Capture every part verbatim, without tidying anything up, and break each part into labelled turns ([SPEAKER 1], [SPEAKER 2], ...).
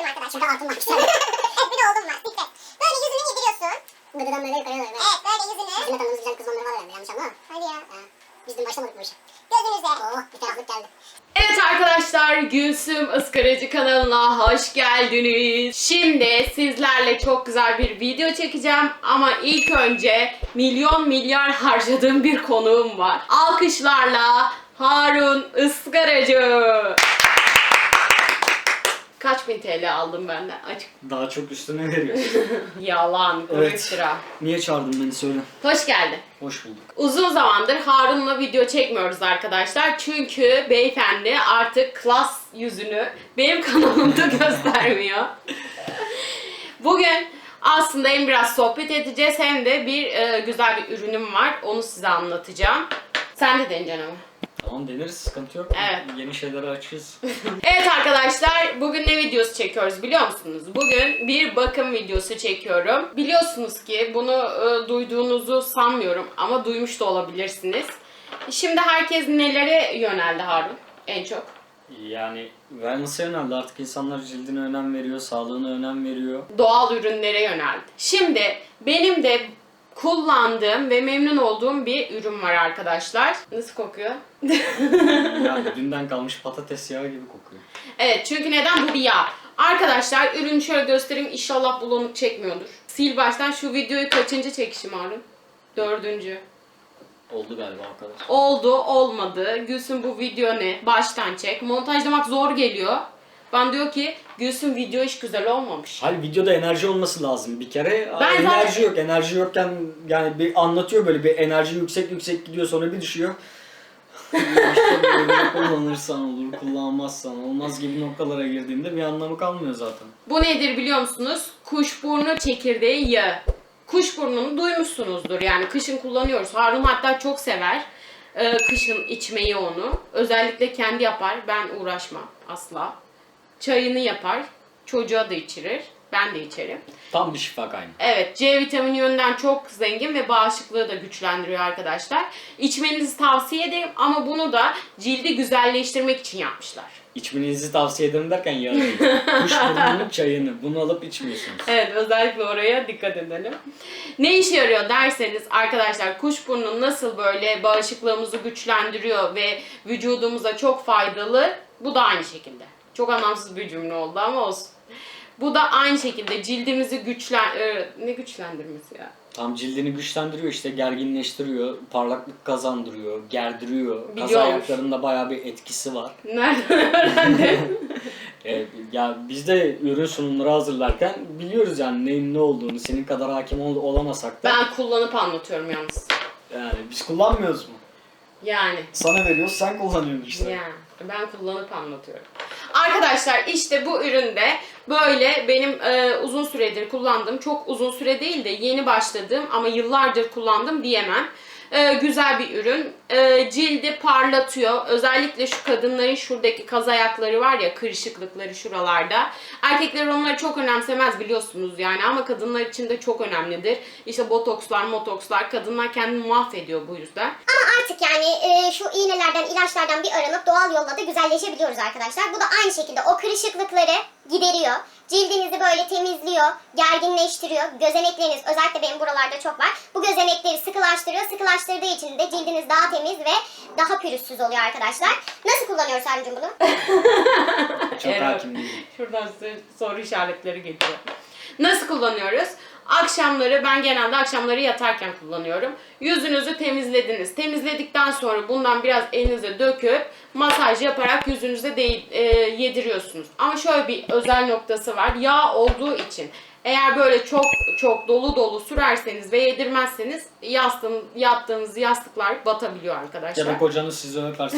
[SPEAKER 1] arkadaşlar. Şurada altın var. Evet bir de oldum var. Dikkat. Böyle yüzünü yediriyorsun. Gıdıdan böyle yukarıya doğru. Evet böyle yüzünü. Bizim de tanıdığımız güzel kız onları var herhalde yanlış anlama. Hadi ya. Ha. Biz dün başlamadık bu işe. Gözünüze. Oh bir taraflık geldi.
[SPEAKER 2] Evet arkadaşlar, Gülsüm Iskaracı kanalına hoş geldiniz. Şimdi sizlerle çok güzel bir video çekeceğim ama ilk önce milyon milyar harcadığım bir konuğum var. Alkışlarla Harun Iskaracı. Kaç bin T L aldım benden? Açık.
[SPEAKER 3] Daha çok üstüne veriyorsun.
[SPEAKER 2] Yalan, kuru
[SPEAKER 3] Evet.
[SPEAKER 2] iftira.
[SPEAKER 3] Niye çağırdın beni söyle.
[SPEAKER 2] Hoş geldin.
[SPEAKER 3] Hoş bulduk.
[SPEAKER 2] Uzun zamandır Harun'la video çekmiyoruz arkadaşlar. Çünkü beyefendi artık klas yüzünü benim kanalımda göstermiyor. Bugün aslında hem biraz sohbet edeceğiz hem de bir e, güzel bir ürünüm var. Onu size anlatacağım. Sen de deneyeceksin ama.
[SPEAKER 3] Tamam deneriz, sıkıntı yok.
[SPEAKER 2] Evet.
[SPEAKER 3] Yeni şeylere açığız.
[SPEAKER 2] Evet arkadaşlar, bugün ne videosu çekiyoruz biliyor musunuz? Bugün bir bakım videosu çekiyorum. Biliyorsunuz ki bunu e, duyduğunuzu sanmıyorum ama duymuş da olabilirsiniz. Şimdi herkes nelere yöneldi Harun en çok?
[SPEAKER 3] Yani wellness'a yöneldi artık, insanlar cildine önem veriyor, sağlığına önem veriyor.
[SPEAKER 2] Doğal ürünlere yöneldi. Şimdi benim de kullandığım ve memnun olduğum bir ürün var arkadaşlar. Nasıl kokuyor?
[SPEAKER 3] Yani dünden kalmış patates yağı gibi kokuyor.
[SPEAKER 2] Evet, çünkü neden? Bu bir yağ. Arkadaşlar ürünü şöyle göstereyim, inşallah bulanık çekmiyordur. Sil baştan. Şu videoyu kaçıncı çekişim Harun? Dördüncü.
[SPEAKER 3] Oldu galiba o kadar.
[SPEAKER 2] Oldu, olmadı. Gülsüm bu video ne? Baştan çek. Montajlamak zor geliyor. Ben diyor ki Gülsüm video hiç güzel olmamış.
[SPEAKER 3] Hayır, videoda enerji olması lazım bir kere.
[SPEAKER 2] Ben
[SPEAKER 3] enerji
[SPEAKER 2] zaten-
[SPEAKER 3] yok. Enerji yokken yani bir anlatıyor, böyle bir enerji yüksek yüksek gidiyor, sonra bir düşüyor. İşte böyle kullanırsan olur, kullanmazsan olmaz gibi noktalara girdiğinde bir anlamı kalmıyor zaten.
[SPEAKER 2] Bu nedir biliyor musunuz? Kuşburnu çekirdeği yağı. Kuşburnunu duymuşsunuzdur, yani kışın kullanıyoruz. Harun hatta çok sever ee, kışın içmeyi onu. Özellikle kendi yapar, ben uğraşmam asla. Çayını yapar, çocuğa da içirir, ben de içerim.
[SPEAKER 3] Tam bir şifa kaynağı.
[SPEAKER 2] Evet, C vitamini yönden çok zengin ve bağışıklığı da güçlendiriyor arkadaşlar. İçmenizi tavsiye ederim ama bunu da cildi güzelleştirmek için yapmışlar.
[SPEAKER 3] İçmenizi tavsiye ederim derken yarın. Kuşburnunun çayını. Bunu alıp içmiyorsunuz.
[SPEAKER 2] Evet, özellikle oraya dikkat edelim. Ne işe yarıyor derseniz arkadaşlar, kuşburnu nasıl böyle bağışıklığımızı güçlendiriyor ve vücudumuza çok faydalı, bu da aynı şekilde. Çok anlamsız bir cümle oldu ama olsun. Bu da aynı şekilde cildimizi güçlen... e, ne güçlendirmesi ya?
[SPEAKER 3] Tam cildini güçlendiriyor, işte gerginleştiriyor, parlaklık kazandırıyor, gerdiriyor. Kaz
[SPEAKER 2] Biliyormuş.
[SPEAKER 3] ayaklarında bayağı bir etkisi var.
[SPEAKER 2] Nereden öğrendin?
[SPEAKER 3] Ee, ya biz de ürün sunumları hazırlarken biliyoruz yani neyin ne olduğunu. Senin kadar hakim ol- olamasak da.
[SPEAKER 2] Ben kullanıp anlatıyorum yalnız.
[SPEAKER 3] Yani biz kullanmıyoruz mu?
[SPEAKER 2] Yani.
[SPEAKER 3] Sana veriyoruz, sen kullanıyorsun işte.
[SPEAKER 2] Yani ben kullanıp anlatıyorum. Arkadaşlar işte bu üründe böyle benim e, uzun süredir kullandığım, çok uzun süre değil de yeni başladığım ama yıllardır kullandım diyemem. E, güzel bir ürün. E, cildi parlatıyor. Özellikle şu kadınların şuradaki kaz ayakları var ya, kırışıklıkları şuralarda. Erkekler onları çok önemsemez biliyorsunuz yani, ama kadınlar için de çok önemlidir. İşte botokslar, motokslar, kadınlar kendini mahvediyor bu yüzden.
[SPEAKER 1] Ama artık yani e, şu iğnelerden, ilaçlardan bir aranıp doğal yolla da güzelleşebiliyoruz arkadaşlar. Bu da aynı şekilde o kırışıklıkları gideriyor. Cildinizi böyle temizliyor, gerginleştiriyor. Gözenekleriniz, özellikle benim buralarda çok var. Bu gözenekleri sıkılaştırıyor. Sıkılaştırdığı için de cildiniz daha temiz ve daha pürüzsüz oluyor arkadaşlar. Nasıl kullanıyoruz Harun'cum bunu?
[SPEAKER 3] Çok
[SPEAKER 2] Evet.
[SPEAKER 3] hakim değilim.
[SPEAKER 2] Şuradan size soru işaretleri geliyor. Nasıl kullanıyoruz? Akşamları, ben genelde akşamları yatarken kullanıyorum. Yüzünüzü temizlediniz. Temizledikten sonra bundan biraz elinize döküp masaj yaparak yüzünüze de, e, yediriyorsunuz. Ama şöyle bir özel noktası var. Yağ olduğu için eğer böyle çok çok dolu dolu sürerseniz ve yedirmezseniz yastığın, yattığınız yastıklar batabiliyor arkadaşlar.
[SPEAKER 3] Ya da kocanız sizi öperse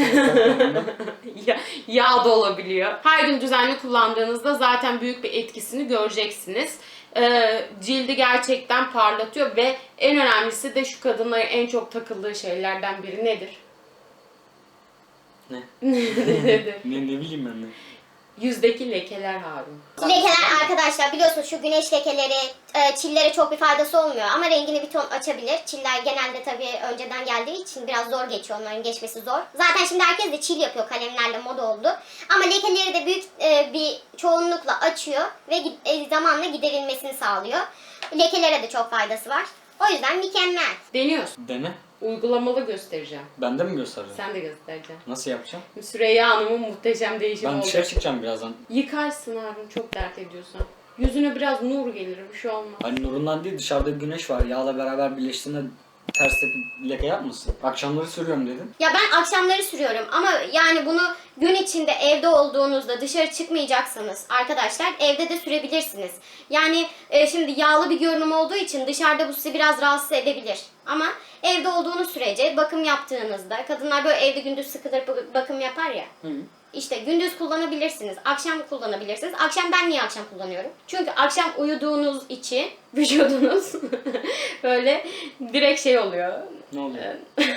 [SPEAKER 2] Ya- yağ da olabiliyor. Her gün düzenli kullandığınızda zaten büyük bir etkisini göreceksiniz. Ee, cildi gerçekten parlatıyor ve en önemlisi de şu kadınların en çok takıldığı şeylerden biri nedir?
[SPEAKER 3] Ne?
[SPEAKER 2] Nedir?
[SPEAKER 3] ne, ne bileyim ben ne.
[SPEAKER 2] Yüzdeki lekeler Harun.
[SPEAKER 1] Lekeler arkadaşlar biliyorsunuz şu güneş lekeleri, e, çillere çok bir faydası olmuyor ama rengini bir ton açabilir. Çiller genelde tabii önceden geldiği için biraz zor geçiyor, onların geçmesi zor. Zaten şimdi herkes de çil yapıyor, kalemlerle moda oldu. Ama lekeleri de büyük e, bir çoğunlukla açıyor ve gi- e, zamanla giderilmesini sağlıyor. Lekelere de çok faydası var. O yüzden mükemmel.
[SPEAKER 2] Deniyorsun.
[SPEAKER 3] Dene.
[SPEAKER 2] Uygulamalı göstereceğim.
[SPEAKER 3] Ben de mi göstereceğim?
[SPEAKER 2] Sen de göstereceksin.
[SPEAKER 3] Nasıl yapacağım?
[SPEAKER 2] Süreyya Hanım'ın muhteşem değişimi
[SPEAKER 3] Ben
[SPEAKER 2] oldu.
[SPEAKER 3] dışarı çıkacağım birazdan.
[SPEAKER 2] Yıkarsın Harun çok dert ediyorsan. Yüzüne biraz nur gelir, bir şey olmaz.
[SPEAKER 3] Hani nurundan değil, dışarıda bir güneş var. Yağla beraber birleştiğinde ters tepki leke yapmasın. Akşamları sürüyorum dedin.
[SPEAKER 1] Ya ben akşamları sürüyorum ama yani bunu gün içinde evde olduğunuzda dışarı çıkmayacaksanız arkadaşlar evde de sürebilirsiniz. Yani e, şimdi yağlı bir görünüm olduğu için dışarıda bu sizi biraz rahatsız edebilir. Ama evde olduğunuz sürece bakım yaptığınızda kadınlar böyle evde gündüz sıkılır bakım yapar ya.
[SPEAKER 3] Hı.
[SPEAKER 1] İşte gündüz kullanabilirsiniz, akşam kullanabilirsiniz. Akşam ben niye akşam kullanıyorum? Çünkü akşam uyuduğunuz için vücudunuz böyle direkt şey oluyor.
[SPEAKER 3] Ne oluyor?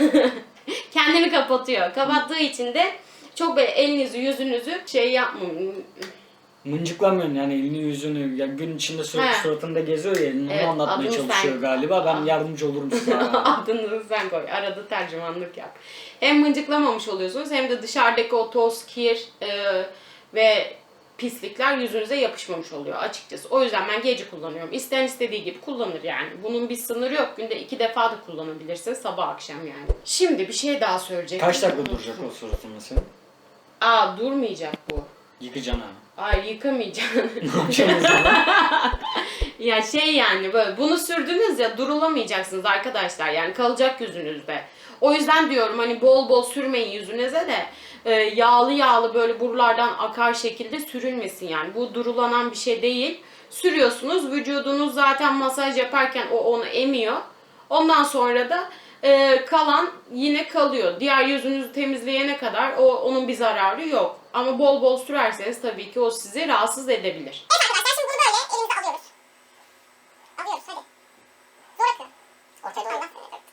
[SPEAKER 2] Kendini kapatıyor. Kapattığı için de çok böyle elinizi yüzünüzü şey yapmayın.
[SPEAKER 3] Mıncıklamıyorsun yani elini yüzünü. Ya gün içinde sürekli
[SPEAKER 2] He.
[SPEAKER 3] suratında geziyor ya elini.
[SPEAKER 2] Evet,
[SPEAKER 3] Onu anlatmaya
[SPEAKER 2] adını
[SPEAKER 3] çalışıyor
[SPEAKER 2] sen-
[SPEAKER 3] galiba. Ben
[SPEAKER 2] Aa.
[SPEAKER 3] yardımcı olurum sana.
[SPEAKER 2] Adını sen koy. Arada tercümanlık yap. Hem mıncıklamamış oluyorsunuz hem de dışarıdaki o toz, kir e, ve pislikler yüzünüze yapışmamış oluyor açıkçası. O yüzden ben gece kullanıyorum. İsteyen istediği gibi kullanır yani. Bunun bir sınırı yok. Günde iki defa da kullanabilirsin. Sabah akşam yani. Şimdi bir şey daha söyleyecektim.
[SPEAKER 3] Kaç dakika duracak o suratında senin?
[SPEAKER 2] Aa durmayacak bu.
[SPEAKER 3] Yıkacaksın ha.
[SPEAKER 2] Ay yıkamayacaksın.
[SPEAKER 3] Ne yapacaksın o zaman?
[SPEAKER 2] Ya şey yani böyle bunu sürdünüz ya durulamayacaksınız arkadaşlar yani kalacak yüzünüzde. O yüzden diyorum hani bol bol sürmeyin yüzünüze de e, yağlı yağlı böyle buralardan akar şekilde sürülmesin yani. Bu durulanan bir şey değil. Sürüyorsunuz vücudunuz zaten masaj yaparken o onu emiyor. Ondan sonra da e, kalan yine kalıyor. Diğer yüzünüzü temizleyene kadar o onun bir zararı yok. Ama bol bol sürerseniz tabii ki o sizi rahatsız edebilir.
[SPEAKER 1] Evet arkadaşlar şimdi bunu böyle elimize alıyoruz. Alıyoruz hadi. Zor akıyor. Ortaya doğru.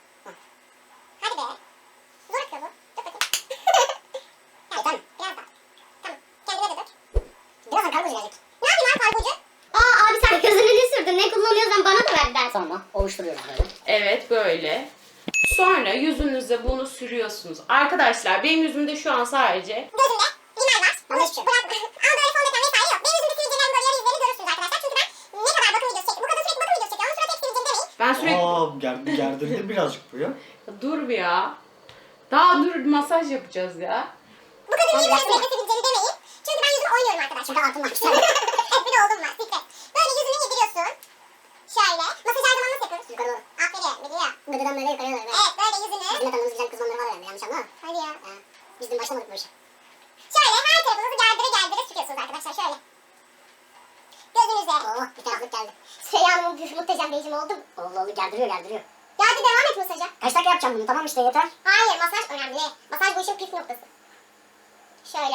[SPEAKER 1] Hadi be. Zor akıyor bu. Dur bakayım. Evet, tamam. Biraz daha. Tamam. Kendine de dök. Birazdan kargocu gelecek. Ne yapayım abi kargocu? Aa abi sen gözüne ne sürdün? Ne kullanıyorsan bana da ver der.
[SPEAKER 4] Sonra ovuşturuyoruz böyle.
[SPEAKER 2] Evet böyle. Sonra yüzünüze bunu sürüyorsunuz. Arkadaşlar benim yüzümde şu an sadece
[SPEAKER 1] Gözünde rimel var.
[SPEAKER 4] Bana hiçbir şey yok.
[SPEAKER 1] Bırak. Al böyle fondöten vesaire yok. Benim yüzümde sivilcelerin böyle yarı izlerini görürsünüz arkadaşlar. Çünkü ben ne kadar bakım videosu çektim. Bu kadın sürekli bakım videosu çekiyor. Onun suratı hep sivilceli demeyin.
[SPEAKER 2] ben sürekli
[SPEAKER 3] Aa gerdi, gerdirdi birazcık bu ya.
[SPEAKER 2] dur bir ya. Daha dur masaj yapacağız ya.
[SPEAKER 1] Bu kadın niye böyle
[SPEAKER 4] yapsana.
[SPEAKER 1] sürekli sivilceli demeyin. Çünkü ben yüzümü oynuyorum arkadaşlar.
[SPEAKER 4] Çünkü altın var.
[SPEAKER 1] Evet bir de oldum var. Sikret. Böyle yüzünü yediriyorsun. Şöyle. Masaj her zaman nasıl yapıyoruz?
[SPEAKER 4] Yukarı doğru.
[SPEAKER 1] Aferin. Biliyor.
[SPEAKER 4] Gıdıdan böyle yukarıya doğru. Böyle.
[SPEAKER 1] Evet böyle yüzünü.
[SPEAKER 4] Bizim de tanıdığımız güzel kız onları var yani yanlış anlama.
[SPEAKER 1] Hadi ya.
[SPEAKER 4] Ha. Biz dün başlamadık bu işe.
[SPEAKER 1] Şöyle her tarafınızı gerdire gerdire sürüyorsunuz arkadaşlar. Şöyle. Gözünüze.
[SPEAKER 4] Oh bir taraflık geldi.
[SPEAKER 1] Süreyya Hanım'ın bir muhteşem değişimi oldu.
[SPEAKER 4] Oldu oldu gerdiriyor gerdiriyor.
[SPEAKER 1] Ya hadi devam et masaja.
[SPEAKER 4] Kaç dakika yapacağım bunu tamam işte yeter.
[SPEAKER 1] Hayır masaj önemli. Masaj bu işin püf noktası. Şöyle.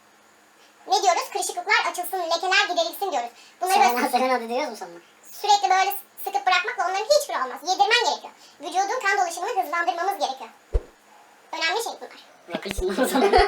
[SPEAKER 1] Ne diyoruz? Kırışıklıklar açılsın, lekeler giderilsin diyoruz. Bunları
[SPEAKER 4] Sen
[SPEAKER 1] böyle
[SPEAKER 4] sen hadi diyoruz mu sonra?
[SPEAKER 1] sürekli böyle sıkıp bırakmakla onların hiçbiri olmaz. Yedirmen gerekiyor. Vücudun kan dolaşımını hızlandırmamız gerekiyor. Önemli şey bunlar.
[SPEAKER 4] Rakı içsin o zaman.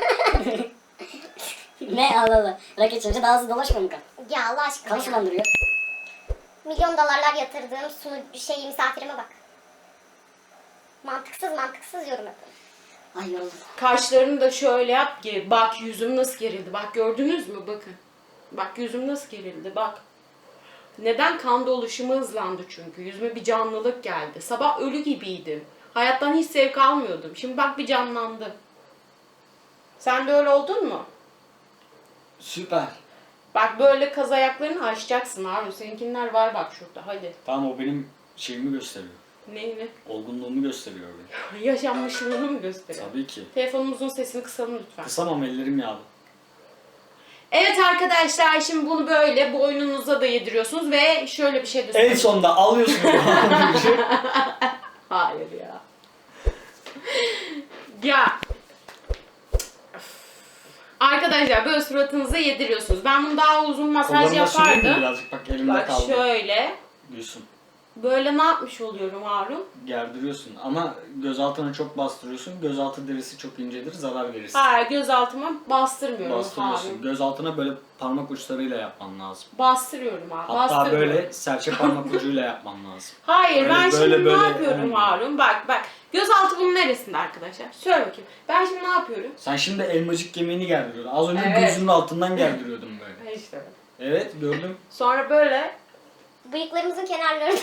[SPEAKER 4] Ne Allah Allah. Rakı içince daha hızlı dolaşmıyor mu kan?
[SPEAKER 1] Ya Allah aşkına
[SPEAKER 4] Kan
[SPEAKER 1] ya.
[SPEAKER 4] sulandırıyor.
[SPEAKER 1] Milyon dolarlar yatırdığım sunu şey misafirime bak. Mantıksız mantıksız yorum yapıyorum.
[SPEAKER 4] Ay yoruldum.
[SPEAKER 2] Kaşlarını da şöyle yap ki bak yüzüm nasıl gerildi. Bak gördünüz mü bakın. Bak yüzüm nasıl gerildi bak. Neden? Kan dolaşımı hızlandı çünkü. Yüzüme bir canlılık geldi. Sabah ölü gibiydim. Hayattan hiç zevk almıyordum. Şimdi bak bir canlandım. Sen de öyle oldun mu?
[SPEAKER 3] Süper.
[SPEAKER 2] Bak böyle kaz ayaklarını açacaksın Harun. Seninkiler var bak şurada. Hadi.
[SPEAKER 3] Tamam o benim şeyimi gösteriyor.
[SPEAKER 2] Neyini?
[SPEAKER 3] Olgunluğumu gösteriyor benim.
[SPEAKER 2] Yaşanmışlığını mı gösteriyor?
[SPEAKER 3] Tabii ki.
[SPEAKER 2] Telefonumuzun sesini kısalım lütfen.
[SPEAKER 3] Kısamam ellerim yağlı.
[SPEAKER 2] Evet arkadaşlar şimdi bunu böyle boynunuza da yediriyorsunuz ve şöyle bir şey de
[SPEAKER 3] En
[SPEAKER 2] söyleyeyim.
[SPEAKER 3] sonunda alıyorsun.
[SPEAKER 2] Hayır ya. Ya. Arkadaşlar böyle suratınıza yediriyorsunuz. Ben bunu daha uzun masaj
[SPEAKER 3] Kollarıma süreyim mi
[SPEAKER 2] yapardım.
[SPEAKER 3] birazcık bak elimde
[SPEAKER 2] Bak
[SPEAKER 3] kaldı.
[SPEAKER 2] şöyle.
[SPEAKER 3] Gülsün.
[SPEAKER 2] Böyle ne yapmış oluyorum Harun?
[SPEAKER 3] Gerdiriyorsun ama göz altına çok bastırıyorsun. Göz altı derisi çok incedir, zarar verirsin.
[SPEAKER 2] Hayır, gözaltıma bastırmıyorum
[SPEAKER 3] Bastırıyorsun.
[SPEAKER 2] Harun.
[SPEAKER 3] Göz altına böyle parmak uçlarıyla yapman lazım.
[SPEAKER 2] Bastırıyorum abi.
[SPEAKER 3] Hatta
[SPEAKER 2] bastırıyorum.
[SPEAKER 3] böyle serçe parmak ucuyla yapman lazım.
[SPEAKER 2] Hayır,
[SPEAKER 3] Böyle,
[SPEAKER 2] ben
[SPEAKER 3] böyle,
[SPEAKER 2] şimdi
[SPEAKER 3] böyle
[SPEAKER 2] ne yapıyorum
[SPEAKER 3] olmuyor.
[SPEAKER 2] Harun? Bak bak. Gözaltı bunun neresinde arkadaşlar? Söyle bakayım. Ben şimdi ne yapıyorum?
[SPEAKER 3] Sen şimdi elmacık kemiğini gerdiriyordun. Az önce
[SPEAKER 2] Evet.
[SPEAKER 3] gözünün altından gerdiriyordun böyle.
[SPEAKER 2] İşte.
[SPEAKER 3] Evet, gördüm.
[SPEAKER 2] Sonra böyle.
[SPEAKER 1] Bıyıklarımızın kenarlarından.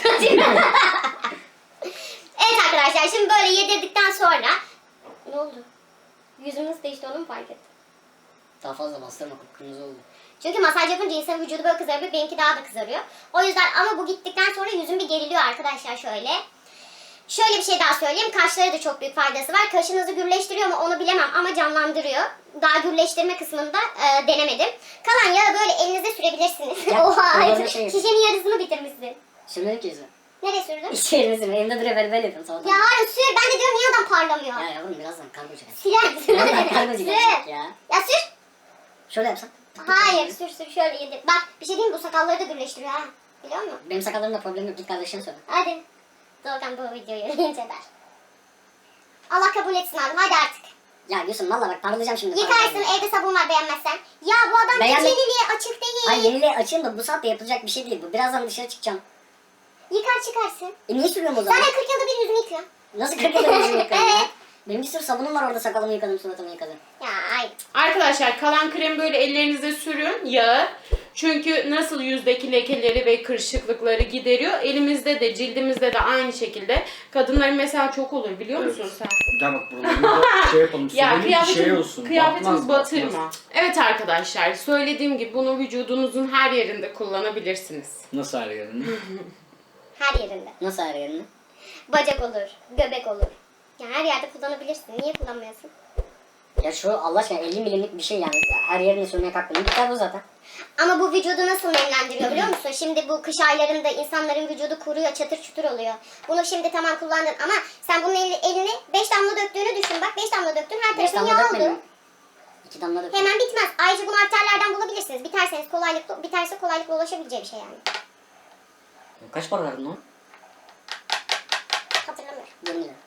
[SPEAKER 1] Evet arkadaşlar, şimdi böyle yedirdikten sonra ne oldu? Yüzümüz değişti, onu mu fark ettin?
[SPEAKER 4] Daha fazla bastırma, kırmızı oldu.
[SPEAKER 1] Çünkü masaj yapınca insanın vücudu böyle kızarıyor, benimki daha da kızarıyor. O yüzden ama bu gittikten sonra yüzüm bir geriliyor arkadaşlar şöyle. Şöyle bir şey daha söyleyeyim, kaşlara da çok büyük faydası var. Kaşınızı gürleştiriyor mu onu bilemem ama canlandırıyor. Daha gürleştirme kısmında e, denemedim. Kalan yağı böyle elinize sürebilirsiniz.
[SPEAKER 4] Ya,
[SPEAKER 1] Oha,
[SPEAKER 4] öyle bir şey.
[SPEAKER 1] şişenin yarısını bitirmişsin.
[SPEAKER 4] Sürmedik ki yüzüme.
[SPEAKER 1] Nereye sürdün?
[SPEAKER 4] İş yerine sürme. Elimde duruyor böyle böyle yapıyorum sabahtan.
[SPEAKER 1] Ya hayır sür, ben de diyorum niye adam parlamıyor?
[SPEAKER 4] Ya yavrum birazdan kargo çıkar.
[SPEAKER 1] Siler misin?
[SPEAKER 4] Birazdan kargo
[SPEAKER 1] Sür.
[SPEAKER 4] çıkar ya.
[SPEAKER 1] Ya sür.
[SPEAKER 4] Şöyle yapsan.
[SPEAKER 1] Hayır sür sür şöyle yedir. Bak bir şey diyeyim mi? Bu sakalları da gürleştiriyor ha. Biliyor musun?
[SPEAKER 4] Benim sakallarımda problem yok. Git kardeşine söyle.
[SPEAKER 1] Hadi. Doğukan bu videoyu inceder. Allah kabul etsin abi, hadi artık.
[SPEAKER 4] Ya Gülsüm valla bak parlayacağım şimdi.
[SPEAKER 1] Yıkarsın,
[SPEAKER 4] Parlayacağım.
[SPEAKER 1] evde sabun var beğenmezsen. Ya bu adam
[SPEAKER 4] Beğenme-
[SPEAKER 1] geceliliğe açık değil.
[SPEAKER 4] Ay yeniliğe açayım da bu saatte yapılacak bir şey değil bu. Birazdan dışarı çıkacağım.
[SPEAKER 1] Yıkar çıkarsın.
[SPEAKER 4] E niye sürüyorum o zaman?
[SPEAKER 1] Zaten kırk yılda bir yüzünü yıkıyor.
[SPEAKER 4] Nasıl kırk yılda yüzümü yıkıyorum ya?
[SPEAKER 1] Evet.
[SPEAKER 4] Benim bir sürü sabunum var orada, sakalımı yıkadım, suratımı yıkadım.
[SPEAKER 1] Ya ay.
[SPEAKER 2] Arkadaşlar kalan kremi böyle ellerinize sürün yağı. Çünkü nasıl yüzdeki lekeleri ve kırışıklıkları gideriyor. Elimizde de cildimizde de aynı şekilde. Kadınların mesela çok olur biliyor
[SPEAKER 3] Evet.
[SPEAKER 2] musun sen?
[SPEAKER 3] Gel bak buralarını da şey yapalım.
[SPEAKER 2] Ya
[SPEAKER 3] Sürelim bir
[SPEAKER 2] kıyafetimi,
[SPEAKER 3] şey olsun.
[SPEAKER 2] kıyafetimi
[SPEAKER 3] Batmaz,
[SPEAKER 2] batırma.
[SPEAKER 3] batmaz.
[SPEAKER 2] Evet arkadaşlar söylediğim gibi bunu vücudunuzun her yerinde kullanabilirsiniz.
[SPEAKER 3] Nasıl her yerini?
[SPEAKER 1] Her yerinde.
[SPEAKER 4] Nasıl her yerini?
[SPEAKER 1] Bacak olur, göbek olur. Ya her yerde kullanabilirsin. Niye kullanmıyorsun?
[SPEAKER 4] Ya şu Allah aşkına elli milimlik bir şey yani. Her yerine sürmeye kalktım. Biter bu zaten.
[SPEAKER 1] Ama bu vücudu nasıl nemlendiriyor biliyor musun? Şimdi bu kış aylarında insanların vücudu kuruyor, çatır çutur oluyor. Bunu şimdi tamam kullandın ama sen bunun elini, elini beş damla döktüğünü düşün. Bak beş damla döktün, her
[SPEAKER 4] Beş
[SPEAKER 1] tarafın
[SPEAKER 4] damla
[SPEAKER 1] yağ
[SPEAKER 4] dökmedim.
[SPEAKER 1] oldu.
[SPEAKER 4] İki damla dökmedim.
[SPEAKER 1] Hemen bitmez. Ayrıca bunu arterlerden bulabilirsiniz. Biterseniz kolaylıkla, biterse kolaylıkla ulaşabileceği bir şey yani.
[SPEAKER 4] Kaç para verdin lan?
[SPEAKER 1] Hatırlamıyorum.
[SPEAKER 4] yirmi lira.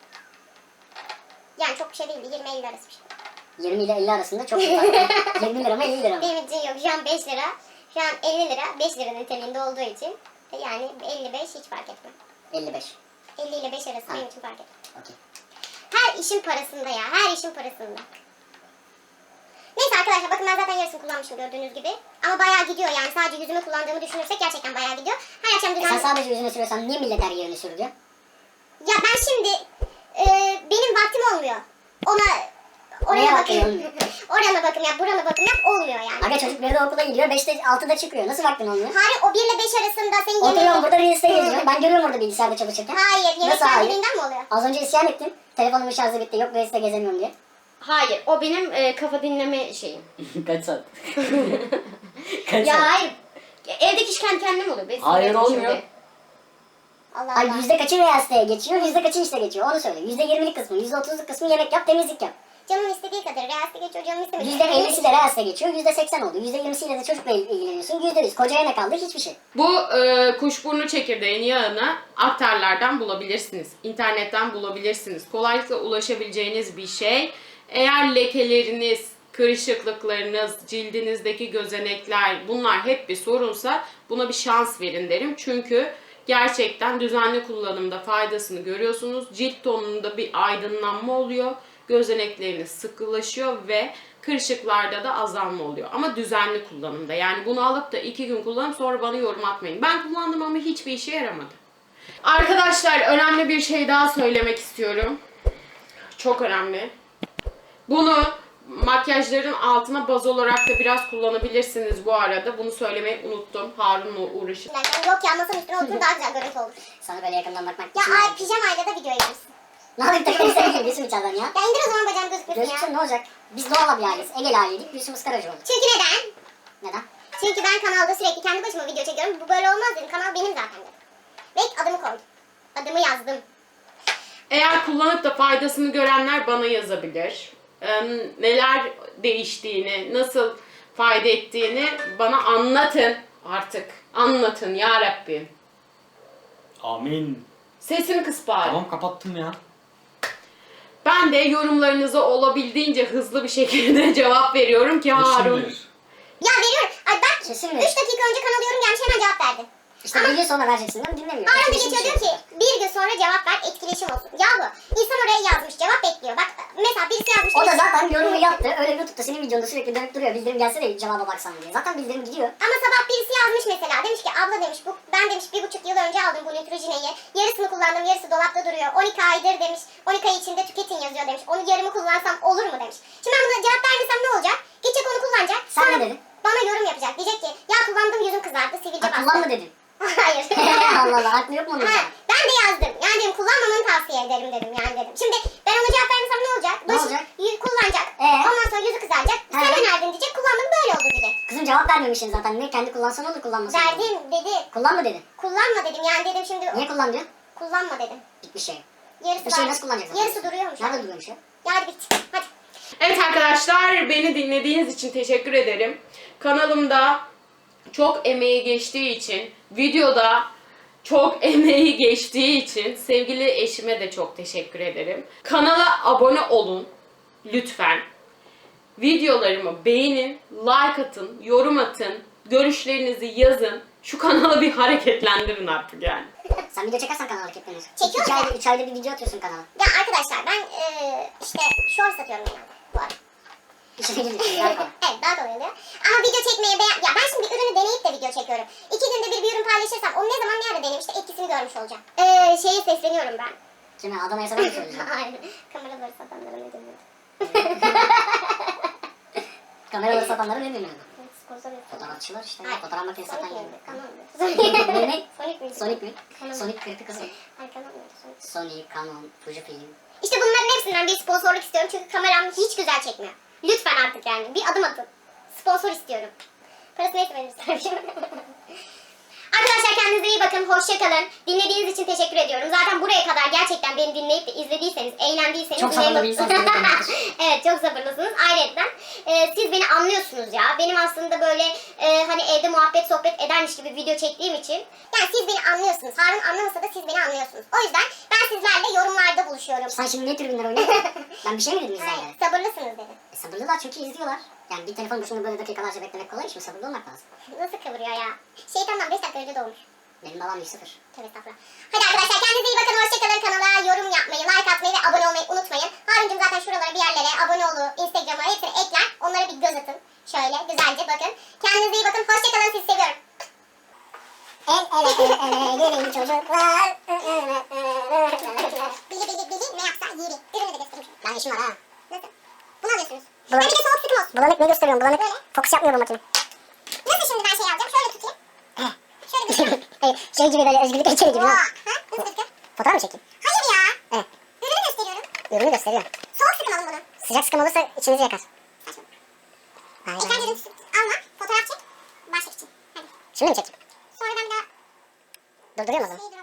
[SPEAKER 1] Yani çok bir şey değildi. yirmi elli arası bir şey.
[SPEAKER 4] yirmi ile elli arasında çok bir fark var. yirmi lira mı elli lira mı?
[SPEAKER 1] Benim için yok. Şu an beş lira. Şu an elli lira. beş lira niteliğinde olduğu için. e, Yani elli beş hiç fark etmez.
[SPEAKER 4] elli beş.
[SPEAKER 1] elli ile beş arası benim için fark etmez.
[SPEAKER 4] Okey.
[SPEAKER 1] Her işin parasında ya. Her işin parasında. Neyse arkadaşlar bakın ben zaten yarısını kullanmışım gördüğünüz gibi. Ama bayağı gidiyor yani sadece yüzüme kullandığımı düşünürsek gerçekten bayağı gidiyor. Her akşam
[SPEAKER 4] E sen
[SPEAKER 1] düzenli...
[SPEAKER 4] sadece yüzüne sürüyorsan niye millet her yerine sürüyor?
[SPEAKER 1] Ya ben şimdi e, benim vaktim olmuyor. Ona oraya
[SPEAKER 4] Neye
[SPEAKER 1] bakayım.
[SPEAKER 4] bakıyorsun?
[SPEAKER 1] Orana bakım yap, burana bakım yap olmuyor yani.
[SPEAKER 4] Aga çocuk bir de okula gidiyor, beşte altıda çıkıyor. Nasıl vaktin olmuyor?
[SPEAKER 1] Hayır o bir ile beş arasında senin
[SPEAKER 4] Oturuyorum
[SPEAKER 1] yemeğin...
[SPEAKER 4] burada Reels'te geziyorum. Ben görüyorum orada bilgisayarda çalışırken.
[SPEAKER 1] Hayır yemek
[SPEAKER 4] Nasıl hayır?
[SPEAKER 1] kendiliğinden mi oluyor?
[SPEAKER 4] Az önce isyan ettin. Telefonumun şarjı bitti. Yok Reels'te gezemiyorum diye.
[SPEAKER 1] Hayır o benim e, kafa dinleme şeyim.
[SPEAKER 4] Kaç saat? Kaç
[SPEAKER 1] Ya hayır. Evdeki iş kendi kendine mi oluyor? Benim
[SPEAKER 4] Hayır,
[SPEAKER 1] sinirlerim
[SPEAKER 4] olmuyor.
[SPEAKER 1] şimdi. Allah Allah.
[SPEAKER 4] Ay yüzde kaçı Reels'te geçiyor, yüzde kaçı işte geçiyor. Onu söyle. Yüzde yirmilik kısmı, yüzde otuzluk kısmı yemek yap, temizlik yap.
[SPEAKER 1] Canım istediği kadar. Reels'te geçiyor canım istemediği.
[SPEAKER 4] Yüzde ellisi de Reels'te geçiyor, yüzde seksen oldu. Yüzde yirmisiyle de çocukla il- ilgileniyorsun. Yüzde yüz. Kocaya ne kaldı? Hiçbir şey.
[SPEAKER 2] Bu e, kuşburnu çekirdeğinin yağını aktarlardan bulabilirsiniz. İnternetten bulabilirsiniz. Kolaylıkla ulaşabileceğiniz bir şey. Eğer lekeleriniz, kırışıklıklarınız, cildinizdeki gözenekler bunlar hep bir sorunsa buna bir şans verin derim. Çünkü gerçekten düzenli kullanımda faydasını görüyorsunuz. Cilt tonunda bir aydınlanma oluyor. Gözenekleriniz sıkılaşıyor ve kırışıklarda da azalma oluyor. Ama düzenli kullanımda. Yani bunu alıp da iki gün kullanıp sonra bana yorum atmayın. Ben kullandım ama hiçbir işe yaramadı. Arkadaşlar önemli bir şey daha söylemek istiyorum. Çok önemli. Bunu makyajların altına baz olarak da biraz kullanabilirsiniz bu arada. Bunu söylemeyi unuttum. Harun'la uğraşıp.
[SPEAKER 1] Yok ya masanın üstüne otur daha güzel görüntü olur.
[SPEAKER 4] Sana böyle yakından bakmak
[SPEAKER 1] Ya
[SPEAKER 4] için-
[SPEAKER 1] ay pijamayla da video yaparsın.
[SPEAKER 4] Ne yapayım takım elbise giyeyim içeriden ya.
[SPEAKER 1] Ya indir o zaman bacağım gözükmesin ya.
[SPEAKER 4] Gözüksün ne olacak? Biz Doğan'la bir aileyiz. Egeli aileydik. Gülsüm ıskaracı oldu.
[SPEAKER 1] Çünkü neden?
[SPEAKER 4] Neden?
[SPEAKER 1] Çünkü ben kanalda sürekli kendi başıma video çekiyorum. Bu böyle olmaz dedim. Kanal benim zaten dedim. Ve adımı koydum. Adımı yazdım.
[SPEAKER 2] Eğer kullanıp da faydasını görenler bana yazabilir. Ee, neler değiştiğini, nasıl fayda ettiğini bana anlatın artık. Anlatın ya Rabbim.
[SPEAKER 3] Amin.
[SPEAKER 2] Sesini kıs bari.
[SPEAKER 3] Tamam kapattım ya.
[SPEAKER 2] Ben de yorumlarınıza olabildiğince hızlı bir şekilde cevap veriyorum ki Harun.
[SPEAKER 3] Kesin bir.
[SPEAKER 1] Ya veriyorum. Ay bak
[SPEAKER 4] Kesin
[SPEAKER 1] üç
[SPEAKER 4] mi?
[SPEAKER 1] dakika önce kanal yorum gelmiş hemen cevap verdi.
[SPEAKER 4] İşte bir gün sonra vereceksin değil mi? Dinlemiyor.
[SPEAKER 1] Harun da
[SPEAKER 4] Etkileşim
[SPEAKER 1] geçiyor diyor
[SPEAKER 4] şey.
[SPEAKER 1] ki bir gün sonra cevap ver etkileşim olsun. Ya bu insan oraya yazmış cevap bekliyor. Bak mesela birisi yazmış.
[SPEAKER 4] O da
[SPEAKER 1] demiş-
[SPEAKER 4] zaten yorumu yaptı. Öyle YouTube'da senin videonda sürekli dönüp duruyor. Bildirim gelse de cevaba baksan diye. Zaten bildirim gidiyor.
[SPEAKER 1] Ama sabah birisi yazmış mesela. Demiş ki abla demiş bu ben demiş bir buçuk yıl önce aldım bu Neutrogene'yi. Yarısını kullandım yarısı dolapta duruyor. on iki aydır demiş. on iki ay içinde tüketin yazıyor demiş. Onu yarımı kullansam olur mu demiş. Şimdi ben buna cevap vermesem ne olacak? Gidecek onu kullanacak.
[SPEAKER 4] Sen
[SPEAKER 1] Sonra
[SPEAKER 4] ne dedin?
[SPEAKER 1] bana yorum yapacak. Diyecek ki ya kullandım yüzüm kızardı sivilce
[SPEAKER 4] Ha
[SPEAKER 1] bastı.
[SPEAKER 4] kullanma dedin.
[SPEAKER 1] Hayır.
[SPEAKER 4] Allah Allah aklı yok mu onun?
[SPEAKER 1] Ha, ben de yazdım. Yani dedim kullanmamanı tavsiye ederim dedim yani dedim. Şimdi ben ona cevap vermesem ne olacak?
[SPEAKER 4] Ne
[SPEAKER 1] Başı-
[SPEAKER 4] olacak?
[SPEAKER 1] y- kullanacak.
[SPEAKER 4] Ee?
[SPEAKER 1] Ondan sonra yüzü kızaracak.
[SPEAKER 4] Ha.
[SPEAKER 1] Sen önerdin diyecek. Kullandım böyle oldu diyecek.
[SPEAKER 4] Kızım cevap vermemişsin zaten. Ne kendi kullansan olur kullanmasan olur.
[SPEAKER 1] Verdim dedi.
[SPEAKER 4] Kullanma dedin.
[SPEAKER 1] Kullanma dedim yani dedim şimdi.
[SPEAKER 4] Niye kullan diyor?
[SPEAKER 1] Kullanma dedim.
[SPEAKER 4] Bitmiş şey.
[SPEAKER 1] Yarısı
[SPEAKER 4] Bir şey
[SPEAKER 1] var.
[SPEAKER 4] nasıl kullanacaksın?
[SPEAKER 1] Yarısı duruyormuş.
[SPEAKER 4] Nerede duruyormuş ya?
[SPEAKER 1] Ya hadi bit. Hadi.
[SPEAKER 2] Evet arkadaşlar, beni dinlediğiniz için teşekkür ederim. Kanalımda çok emeği geçtiği için, videoda çok emeği geçtiği için sevgili eşime de çok teşekkür ederim. Kanala abone olun lütfen. Videolarımı beğenin, like atın, yorum atın, görüşlerinizi yazın. Şu kanalı bir hareketlendirin artık yani.
[SPEAKER 4] Sen video çekersen kanal hareketlenir.
[SPEAKER 1] Çekiyorum
[SPEAKER 4] İki
[SPEAKER 1] ya.
[SPEAKER 4] ayda, üç ayda bir video atıyorsun kanala.
[SPEAKER 1] Ya arkadaşlar ben eee işte short satıyorum genelde bu arada.
[SPEAKER 4] İçine gidiyorsun. Daha kolay.
[SPEAKER 1] Evet daha kolay oluyor. Ama video çekmeye beğen... Ya ben şimdi bir ürünü deneyip de video çekiyorum. İki günde bir bir ürün paylaşırsam onu ne zaman nerede deneyim işte etkisini görmüş olacağım. Eee şeye sesleniyorum ben.
[SPEAKER 4] Kime? Adana'ya sana mı söyleyeceğim?
[SPEAKER 1] Aynen. Kameraları satanlara ne deniyor?
[SPEAKER 4] Kameraları satanlara ne deniyor?
[SPEAKER 1] Sponsor yok.
[SPEAKER 4] Fotoğrafçılar işte.
[SPEAKER 1] Hayır.
[SPEAKER 4] Fotoğraf makinesi satan
[SPEAKER 1] Sonic
[SPEAKER 4] yerinde.
[SPEAKER 1] miydi? Canon muydu?
[SPEAKER 4] Ne ne?
[SPEAKER 1] Sonic miydi?
[SPEAKER 4] Sonic mi?
[SPEAKER 1] Canon.
[SPEAKER 4] Sonic kırıtı kızım.
[SPEAKER 1] Hayır Canon muydu? Sonic.
[SPEAKER 4] Sony, Canon, Fujifilm.
[SPEAKER 1] İşte bunların hepsinden bir sponsorluk istiyorum çünkü kameram hiç güzel çekmiyor. Lütfen artık yani bir adım atın. Sponsor istiyorum. Parası neyse veririz tabii. Arkadaşlar kendinize iyi bakın. Hoşça kalın. Dinlediğiniz için teşekkür ediyorum. Zaten buraya kadar gerçekten beni dinleyip de izlediyseniz, eğlendiyseniz...
[SPEAKER 4] Çok sabırlı bir insansınız demektir.
[SPEAKER 1] Evet çok sabırlısınız. Ayrıca e, siz beni anlıyorsunuz ya. Benim aslında böyle e, hani evde muhabbet sohbet edermiş gibi video çektiğim için. Yani siz beni anlıyorsunuz. Harun anlamasa da siz beni anlıyorsunuz. O yüzden ben sizlerle yorumlarda buluşuyorum.
[SPEAKER 4] Sen şimdi ne tribünler oynuyorsun? Ben bir şey mi dedim
[SPEAKER 1] Hayır,
[SPEAKER 4] izleyenlere?
[SPEAKER 1] sabırlısınız dedim.
[SPEAKER 4] E, sabırlılar çünkü izliyorlar. Yani bir telefon başında böyle dakikalarca beklemek kolay iş mi? Sabırlı olmak lazım.
[SPEAKER 1] Nasıl kıvırıyor ya? Şeytandan beş dakika önce doğmuş.
[SPEAKER 4] Benim babam bir sıfır.
[SPEAKER 1] Tövbe estağfurullah. Hadi arkadaşlar kendinize iyi bakın. Hoşçakalın. Kanala yorum yapmayı, like atmayı ve abone olmayı unutmayın. Harun'cum zaten şuralara bir yerlere abone olu, Instagram'a hepsini ekler. Onlara bir göz atın. Şöyle güzelce bakın. Kendinize iyi bakın. Hoşçakalın. Sizi seviyorum.
[SPEAKER 4] El ele el ele gelin çocuklar.
[SPEAKER 1] Bili bili bili ne yapsa yeri. Ürünü de göstereyim.
[SPEAKER 4] Ben işim var ha.
[SPEAKER 1] Nasıl? Bunu alıyorsunuz.
[SPEAKER 4] Bulanık.
[SPEAKER 1] Hadi bir de soğuk sıkım olsun.
[SPEAKER 4] Bulanık ne gösteriyorum? Bulanık
[SPEAKER 1] Böyle.
[SPEAKER 4] fokus yapmıyor bu makine.
[SPEAKER 1] Nasıl şimdi ben şey alacağım? Şöyle tutayım. Şöyle tutayım.
[SPEAKER 4] Hayır, şey gibi böyle özgürlük heykeli gibi.
[SPEAKER 1] Oha.
[SPEAKER 4] ha.
[SPEAKER 1] Ha? Nasıl tutayım?
[SPEAKER 4] Fotoğraf mı çekeyim?
[SPEAKER 1] Hayır ya.
[SPEAKER 4] Evet.
[SPEAKER 1] Ürünü gösteriyorum.
[SPEAKER 4] Ürünü gösteriyor.
[SPEAKER 1] Soğuk sıkım alın bunu.
[SPEAKER 4] Sıcak sıkım olursa içinizi yakar.
[SPEAKER 1] Saçma.
[SPEAKER 4] Hayır.
[SPEAKER 1] İlk önce ürün alma. Fotoğraf çek. Başlık için. Hadi.
[SPEAKER 4] Şimdi mi çekeyim?
[SPEAKER 1] Sonra ben bir daha
[SPEAKER 4] Durduruyor mu o zaman?
[SPEAKER 1] şeyi